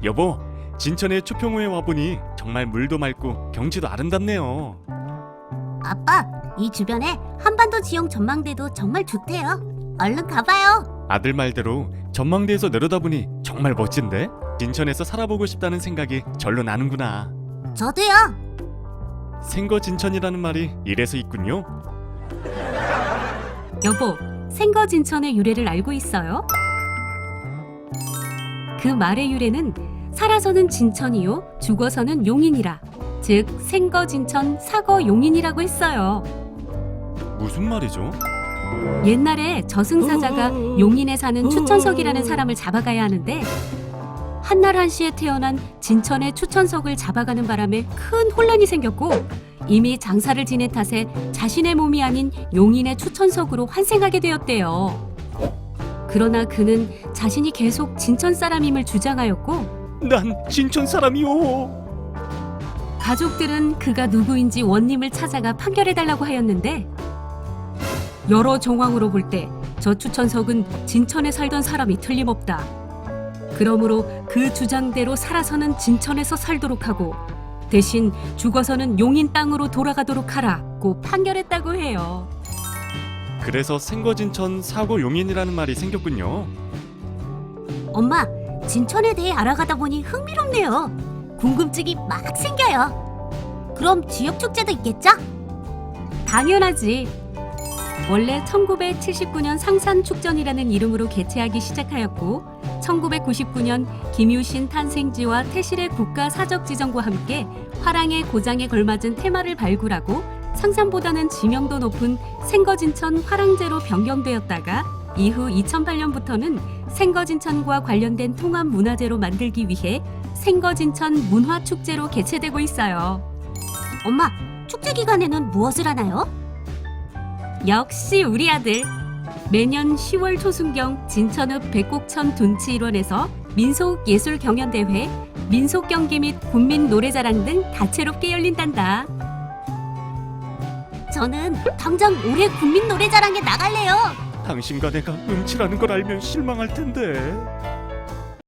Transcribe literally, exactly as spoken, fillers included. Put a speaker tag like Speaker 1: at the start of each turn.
Speaker 1: 여보, 진천의 초평호에 와보니 정말 물도 맑고 경치도 아름답네요.
Speaker 2: 아빠, 이 주변에 한반도 지형 전망대도 정말 좋대요. 얼른 가봐요.
Speaker 1: 아들 말대로 전망대에서 내려다보니 정말 멋진데? 진천에서 살아보고 싶다는 생각이 절로 나는구나.
Speaker 2: 저도요.
Speaker 1: 생거진천이라는 말이 이래서 있군요.
Speaker 3: 여보, 생거진천의 유래를 알고 있어요? 그 말의 유래는 살아서는 진천이요, 죽어서는 용인이라, 즉 생거진천 사거용인이라고 했어요.
Speaker 1: 무슨 말이죠?
Speaker 3: 옛날에 저승사자가 용인에 사는 추천석이라는 사람을 잡아가야 하는데 한날 한시에 태어난 진천의 추천석을 잡아가는 바람에 큰 혼란이 생겼고 이미 장사를 지낸 탓에 자신의 몸이 아닌 용인의 추천석으로 환생하게 되었대요. 그러나 그는 자신이 계속 진천 사람임을 주장하였고
Speaker 1: 난 진천 사람이오.
Speaker 3: 가족들은 그가 누구인지 원님을 찾아가 판결해달라고 하였는데 여러 정황으로 볼 때 저 추천석은 진천에 살던 사람이 틀림없다. 그러므로 그 주장대로 살아서는 진천에서 살도록 하고 대신 죽어서는 용인 땅으로 돌아가도록 하라고 판결했다고 해요.
Speaker 1: 그래서 생거진천 사거용인이라는 말이 생겼군요.
Speaker 2: 엄마, 진천에 대해 알아가다 보니 흥미롭네요. 궁금증이 막 생겨요. 그럼 지역 축제도 있겠죠?
Speaker 3: 당연하지. 원래 천구백칠십구 년 상산축전이라는 이름으로 개최하기 시작하였고 천구백구십구 년 김유신 탄생지와 태실의 국가사적지정과 함께 화랑의 고장에 걸맞은 테마를 발굴하고 상산보다는 지명도 높은 생거진천 화랑제로 변경되었다가 이후 이천팔 년부터는 생거진천과 관련된 통합 문화제로 만들기 위해 생거진천 문화축제로 개최되고 있어요.
Speaker 2: 엄마, 축제 기간에는 무엇을 하나요?
Speaker 3: 역시 우리 아들. 매년 시월 초순경 진천읍 백곡천 둔치 일원에서 민속예술경연대회, 민속경기 및 군민노래자랑 등 다채롭게 열린단다.
Speaker 2: 저는 당장 올해 국민노래자랑에 나갈래요.
Speaker 1: 당신과 내가 음치라는 걸 알면 실망할 텐데.